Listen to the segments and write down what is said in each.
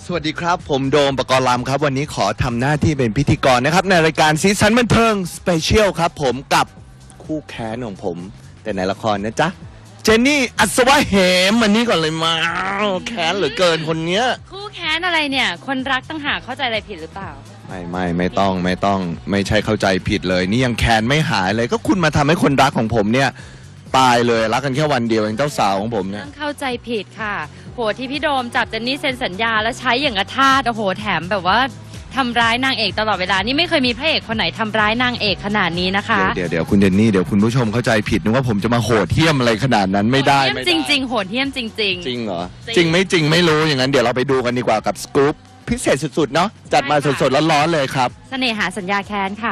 สวัสดีครับผมโดมปกรณ์ลำครับวันนี้ขอทำหน้าที่เป็นพิธีกรนะครับในรายการสีสันบันเทิงสเปเชียลครับผมกับคู่แค้นของผมแต่ในละครนะจ๊ะเจนนี่อัศวะเหมอันนี้ก่อนเลยมาแค้นเหลือเกินคนเนี้ยคู่แค้นอะไรเนี่ยคนรักตั้งหากเข้าใจอะไรผิดหรือเปล่าไม่ต้องไม่ใช่เข้าใจผิดเลยนี่ยังแค้นไม่หายเลยก็คุณมาทำให้คนรักของผมเนี่ยตายเลยรักกันแค่วันเดียวเองเจ้าสาวของผมเนี่ยต้องเข้าใจผิดค่ะโหที่พี่โดมจับเจนนี่เซ็นสัญญาแล้วใช้อย่างกระทาสโอ้โหแถมแบบว่าทำร้ายนางเอกตลอดเวลานี่ไม่เคยมีพระเอกคนไหนทำร้ายนางเอกขนาดนี้นะคะเดี๋ยวคุณเจนนี่เดี๋ยวคุณผู้ชมเข้าใจผิดนึกว่าผมจะมาโหดเหี้ยมอะไรขนาดนั้นไม่ได้จริงโหดเหี้ยมจริงจริงเหรอจริงไม่จริงไม่รู้อย่างนั้นเดี๋ยวเราไปดูกันดีกว่ากับสกู๊ปพิเศษสุดๆเนาะจัดมาสดๆร้อนๆเลยครับเสน่หาสัญญาแค้นค่ะ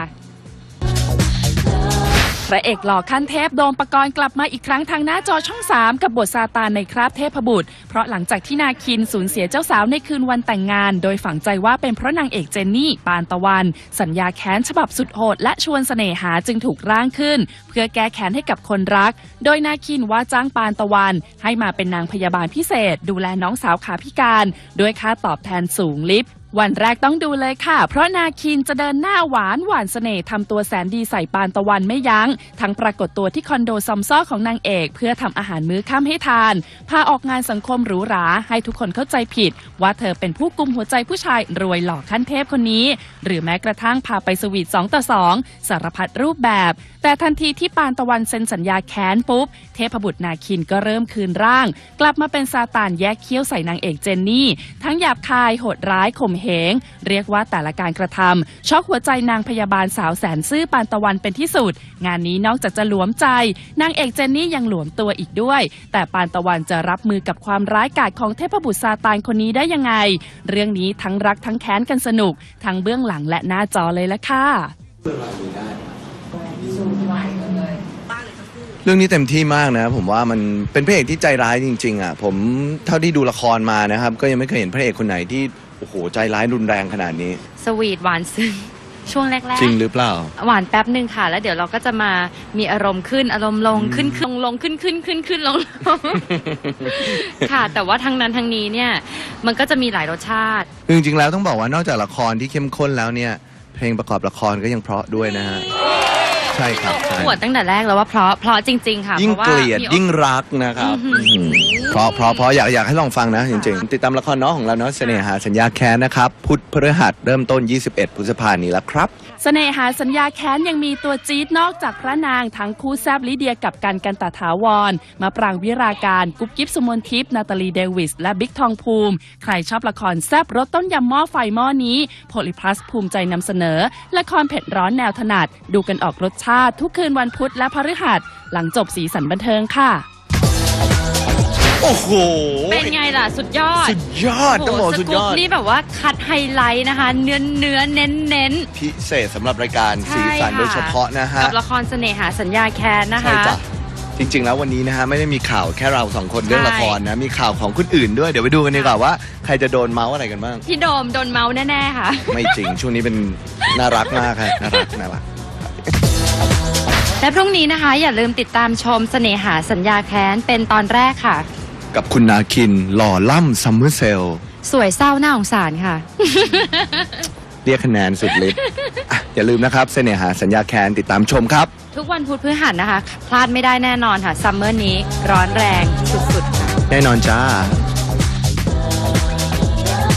พระเอกหล่อขั้นเทพโดมปกรณ์กลับมาอีกครั้งทางหน้าจอช่อง 3กับบทซาตานในคราบเทพบุตรเพราะหลังจากที่นาคินสูญเสียเจ้าสาวในคืนวันแต่งงานโดยฝังใจว่าเป็นเพราะนางเอกเจนนี่ปานตะวันสัญญาแค้นฉบับสุดโหดและชวนเสน่หาจึงถูกร่างขึ้นเพื่อแก้แค้นให้กับคนรักโดยนาคินว่าจ้างปานตะวันให้มาเป็นนางพยาบาลพิเศษดูแลน้องสาวขาพิการด้วยค่าตอบแทนสูงลิบวันแรกต้องดูเลยค่ะเพราะนาคินจะเดินหน้าหวานเสน่ห์ทำตัวแสนดีใส่ปานตะวันไม่ยั้งทั้งปรากฏตัวที่คอนโดซอมซ้อของนางเอกเพื่อทำอาหารมื้อค่ำให้ทานพาออกงานสังคมหรูหราให้ทุกคนเข้าใจผิดว่าเธอเป็นผู้กุมหัวใจผู้ชายรวยหล่อขั้นเทพคนนี้หรือแม้กระทั่งพาไปสวีท2-2สารพัดรูปแบบแต่ทันทีที่ปานตะวันเซ็นสัญญาแค้นปุ๊บเทพบุตรนาคินก็เริ่มคืนร่างกลับมาเป็นซาตานแยกเขี้ยวใส่นางเอกเจนนี่ทั้งหยาบคายโหดร้ายข่มเหงเรียกว่าแต่ละการกระทำช็อกหัวใจนางพยาบาลสาวแสนซื่อปานตะวันเป็นที่สุดงานนี้นอกจากจะหลวมใจนางเอกเจนนี่ยังหลวมตัวอีกด้วยแต่ปานตะวันจะรับมือกับความร้ายกาจของเทพบุตรซาตานคนนี้ได้ยังไงเรื่องนี้ทั้งรักทั้งแค้นกันสนุกทั้งเบื้องหลังและหน้าจอเลยละค่ะเรื่องนี้เต็มที่มากนะผมว่ามันเป็นพระเอกที่ใจร้ายจริงๆอ่ะผมเท่าที่ดูละครมานะครับก็ยังไม่เคยเห็นพระเอกคนไหนที่โอ้โหใจร้ายรุนแรงขนาดนี้สวีทหวานซึ้งช่วงแรกๆจริงหรือเปล่าหวานแป๊บนึงค่ะแล้วเดี๋ยวเราก็จะมามีอารมณ์ขึ้นอารมณ์ลงขึ้นลงขึ้นลงค่ะแต่ว่าทั้งนั้นทั้งนี้เนี่ยมันก็จะมีหลายรสชาติจริงๆแล้วต้องบอกว่านอกจากละครที่เข้มข้นแล้วเนี่ยเพลงประกอบละครก็ยังเพราะด้วยนะฮะใช่ครับปวดตั้งแต่แรกแล้วว่าเพราะจริงๆค่ะยิ่งเกลียดยิ่งรักนะครับเพราะอยากให้ลองฟังนะจริงๆติดตามละครน้องของเราเนาะเสน่หาสัญญาแค้นนะครับพุธพฤหัสเริ่มต้น21 พฤษภาคมนี้แล้วครับเสน่หาสัญญาแค้นยังมีตัวจี๊ดนอกจากพระนางทั้งคู่แซบลิเดียกับกันตถาวรมาปรางวิราการกุ๊บกิ๊บสุมนทิพย์นาตาลีเดวิสและบิ๊กทองภูมิใครชอบละครแซบรสต้นยำหม้อไฟหม้อนี้โพลิพลัสภูมิใจนำเสนอละครเผ็ดร้อนแนวถนัดดูกันออกรสชาติทุกคืนวันพุธและพฤหัสหลังจบสีสันบันเทิงค่ะโอ้โหเป็นไงล่ะสุดยอดต้องบอกสุดยอดนี่แบบว่าคัดไฮไลท์นะคะเนื้อเน้นพิเศษสำหรับรายการสีสันโดยเฉพาะนะฮะกับละครเสน่หาสัญญาแค้นนะคะจริงๆแล้ววันนี้นะฮะไม่ได้มีข่าวแค่เรา2คนเรื่องละครนะมีข่าวของคนอื่นด้วยเดี๋ยวไปดูกันดีกว่าว่าใครจะโดนเมาส์อะไรกันบ้างพี่โดมโดนเมาส์แน่ๆค่ะไม่จริงช่วงนี้เป็นน่ารักมากค่ะน่ารักและพรุ่งนี้นะคะอย่าลืมติดตามชมเสน่หาสัญญาแค้นเป็นตอนแรกค่ะกับคุณนาคินหล่อล่ำซัมเมอร์เซลสวยเศร้าหน้าสงสารค่ะเรียกคะแนนสุดฤทธิ์อย่าลืมนะครับเสน่หาสัญญาแค้นติดตามชมครับทุกวันพุธพฤหัสนะคะพลาดไม่ได้แน่นอนค่ะซัมเมอร์นี้ร้อนแรงสุดๆค่ะแน่นอนจ้า